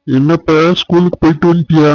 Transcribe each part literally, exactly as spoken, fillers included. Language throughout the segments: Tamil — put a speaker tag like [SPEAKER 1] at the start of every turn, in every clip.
[SPEAKER 1] என்னப்பா ஸ்கூலுக்கு போயிட்டு வந்துட்டியா?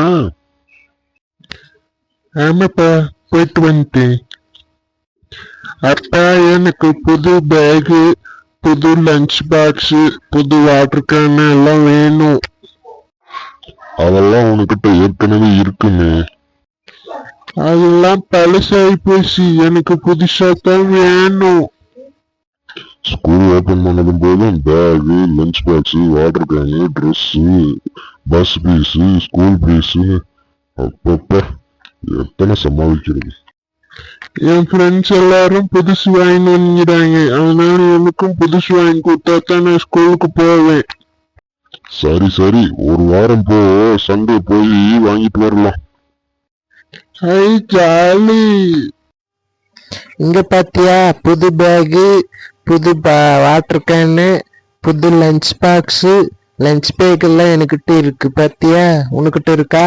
[SPEAKER 1] ஆமாப்பா, போயிட்டு வந்துட்டேன். அப்பா, எனக்கு புது பேகு, புது லஞ்ச் பாக்ஸ், புது வாட்டர் கேன் எல்லாம் வேணும். அதெல்லாம் உனக்கிட்ட ஏற்கனவே இருக்குமே. அதெல்லாம் பழசாகி போச்சு, எனக்கு புதுசா தான் வேணும். ஸ்கூல் ஓபன் பண்ணதும் போதும் bag, lunch box, water can, dress, bus fees, school fees, அப்பப்ப எத்தனை சமாளிக்கிறது. என் ஃப்ரெண்ட்ஸ் எல்லாரும் புதுசு வாங்கி வந்துடுறாங்க, அதனால எனக்கும் புதுசு வாங்கி கொடுத்தா தான் நான் ஸ்கூலுக்கு போவேன். சரி சரி, ஒரு வாரம் போ, சண்டே போய் வாங்கிட்டு வரலாம். ஹை ஜாலி.
[SPEAKER 2] இங்க பாத்தியா, புது பேகு, புது வாட்டர் கேனு, புது லஞ்ச் பாக்ஸ், லஞ்ச் பேக் எல்லாம் என்கிட்ட இருக்கு. பாத்தியா, உனக்கிட்ட இருக்கா?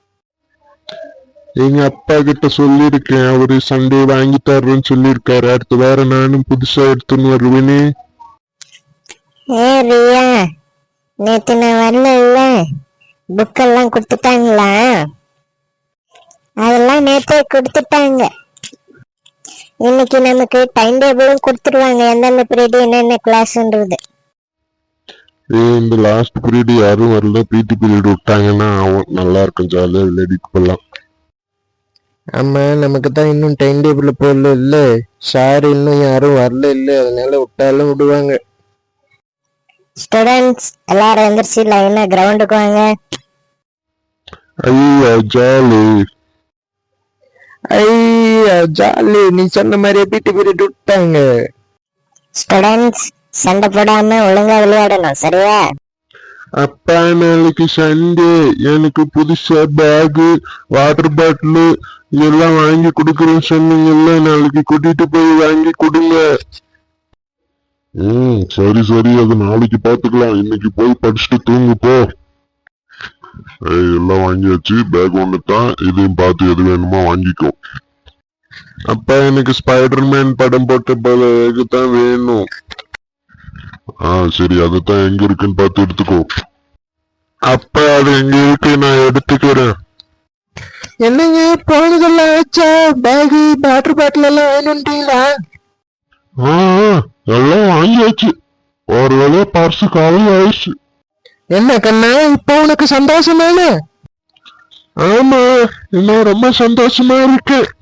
[SPEAKER 1] எங்க அப்பா கிட்ட சொல்லிருக்கேன், அவரு சண்டே வாங்கி தர்றேன்னு சொல்லிருக்காரு. அடுத்த வாரம் நானும் புதுசா எடுத்துன்னு வருவேனே.
[SPEAKER 3] ஏ ரியா, நேத்து நான் வரல, புக்கெல்லாம் கொடுத்துட்டாங்களா? அதெல்லாம் நேத்தே கொடுத்துட்டாங்க. இன்னைக்கு நமக்கு டைம் டேபிளும் கொடுத்துருவாங்க, எந்தெந்த பீரியட் என்னென்ன கிளாஸ்ன்றது.
[SPEAKER 1] ஏ, இந்த லாஸ்ட் பீரியட் யாரும் வரல, பிடி பீரியட் விட்டாங்கன்னா நல்லா இருக்கும், ஜாலியா விளையாடிட்டு போலாம்.
[SPEAKER 2] ஆமா, நமக்கு தான் இன்னும் டைம் டேபிள் போடல இல்ல, சார் இன்னும் யாரும் வரல இல்ல, அதனால விட்டாலும் விடுவாங்க.
[SPEAKER 3] ஸ்டூடெண்ட்ஸ் எல்லாரும் எந்திரிச்சு லைனா கிரவுண்டுக்கு வாங்க.
[SPEAKER 1] ஐயா ஜாலி.
[SPEAKER 2] ஐயா ஜாலி, நீ சொன்ன மாதிரியே பிடி பீரியட் விட்டாங்க.
[SPEAKER 3] ஸ்டூடெண்ட்ஸ் சண்டை போடாம ஒழுங்கா விளையாடணும், சரியா?
[SPEAKER 1] அப்பா, நாளைக்கு சண்டே, எனக்கு புதுசா பேகு, வாட்டர் பாட்டில் இதெல்லாம் வாங்கி கொடுக்குறேன்னு சொன்னீங்கல்ல, நாளைக்கு கூட்டிட்டு போய் வாங்கி கொடுங்க. ம் சரி சரி, அது நாளைக்கு பாத்துக்கலாம், இன்னைக்கு போய் படிச்சுட்டு தூங்கு போ. எல்லாம் வாங்கியாச்சு, பேக் ஒண்ணு தான், இதையும் பார்த்து எது வேணுமோ வாங்கிக்கோ. அப்பா, எனக்கு ஸ்பைடர்மேன் படம் போட்ட பேகு தான் வேணும். ஆ சரி, அதுதான் எங்க இருக்குன்னு பார்த்து எடுத்துக்கோ. அப்பா, அது எங்க இருக்கு, நான் எடுத்துக்கிறேன்.
[SPEAKER 2] என்னங்க போனதெல்லாம் ஆச்சா? பேகு, வாட்டர் பாட்டில் எல்லாம் வேணும்ட்டீங்களா?
[SPEAKER 1] ஆ எல்லாம் வாங்கியாச்சு, ஒரு வேலையா பர்சு காலம் ஆயிடுச்சு.
[SPEAKER 2] என்ன கண்ணா, இப்போ உனக்கு சந்தோஷமானு?
[SPEAKER 1] ஆமா, இன்னும் ரொம்ப சந்தோஷமா இருக்கு.